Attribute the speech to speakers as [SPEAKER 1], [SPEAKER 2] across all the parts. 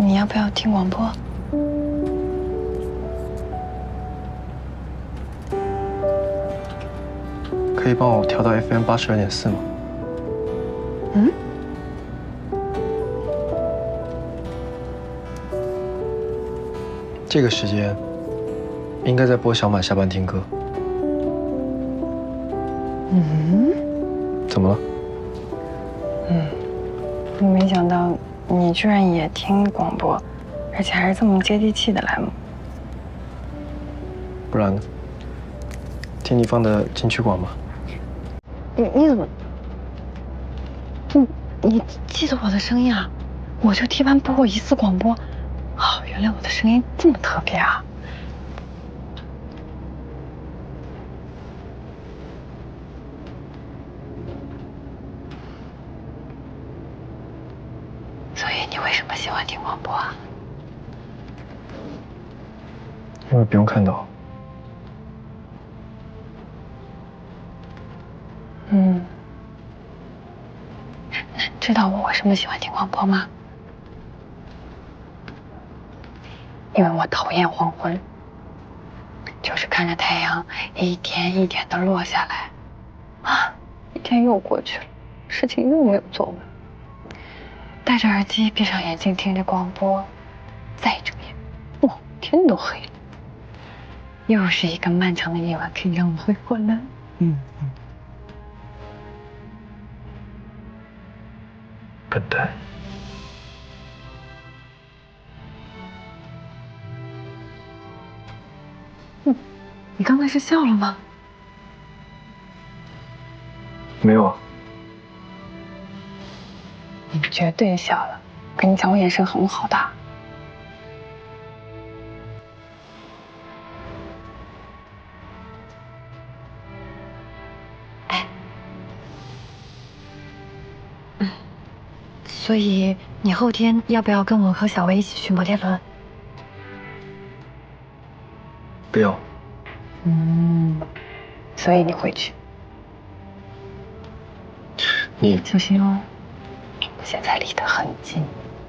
[SPEAKER 1] 你要不要听广播？
[SPEAKER 2] 可以帮我调到 FM 82.4吗？
[SPEAKER 1] 嗯？
[SPEAKER 2] 这个时间应该在播小满下班听歌。
[SPEAKER 1] 嗯？
[SPEAKER 2] 怎么了？
[SPEAKER 1] 没想到你居然也听广播，而且还是这么接地气的栏目。
[SPEAKER 2] 不然呢？听你放的金曲广吗？
[SPEAKER 1] 你怎么？你记得我的声音啊？我就替班播过一次广播。哦，原来我的声音这么特别啊！所以你为什么喜欢听广播啊？
[SPEAKER 2] 因为不用看到。
[SPEAKER 1] 那你知道我为什么喜欢听广播吗？因为我讨厌黄昏，就是看着太阳一点一点的落下来，啊，一天又过去了，事情又没有做完。戴着耳机，闭上眼睛，听着广播，再睁眼，哇，天都黑了。又是一个漫长的夜晚，可以让我回过来。
[SPEAKER 2] 笨蛋。
[SPEAKER 1] 你刚才是笑了吗？
[SPEAKER 2] 没有啊。
[SPEAKER 1] 你绝对笑了，跟你讲，我眼神很好的。哎，所以你后天要不要跟我和小薇一起去摩天轮？
[SPEAKER 2] 不要。
[SPEAKER 1] 所以你回去
[SPEAKER 2] 你
[SPEAKER 1] 小心哦，现在离得很近。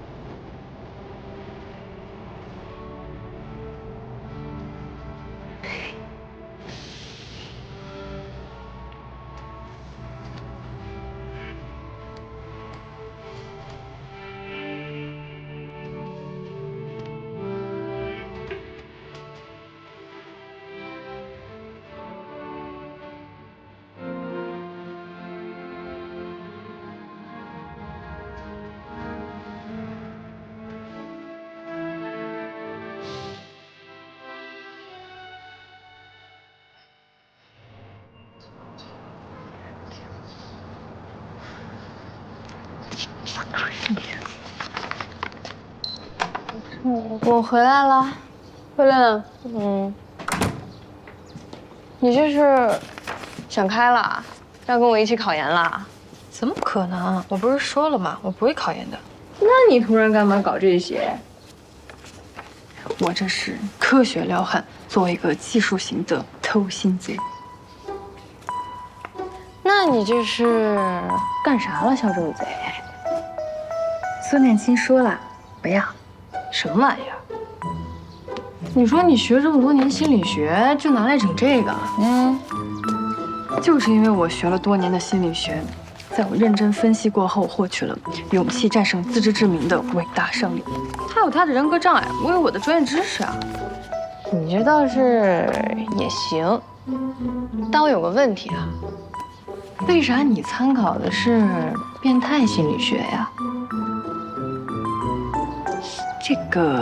[SPEAKER 3] 我回来了，慧亮，你这是想开了，要跟我一起考研了？
[SPEAKER 4] 怎么可能？我不是说了吗？我不会考研的。
[SPEAKER 3] 那你突然干嘛搞这些？
[SPEAKER 4] 我这是科学撩汉，作为一个技术型的偷心贼。
[SPEAKER 3] 那你这是干啥了，小兔贼？
[SPEAKER 4] 孙念青说了，不要。什么玩意儿？
[SPEAKER 3] 你说你学这么多年心理学，就拿来整这个？
[SPEAKER 4] 就是因为我学了多年的心理学，在我认真分析过后，获取了勇气战胜自知之明的伟大胜利。
[SPEAKER 3] 他有他的人格障碍，我有我的专业知识啊。你这倒是也行，但我有个问题啊，为啥你参考的是变态心理学呀？
[SPEAKER 4] 这个。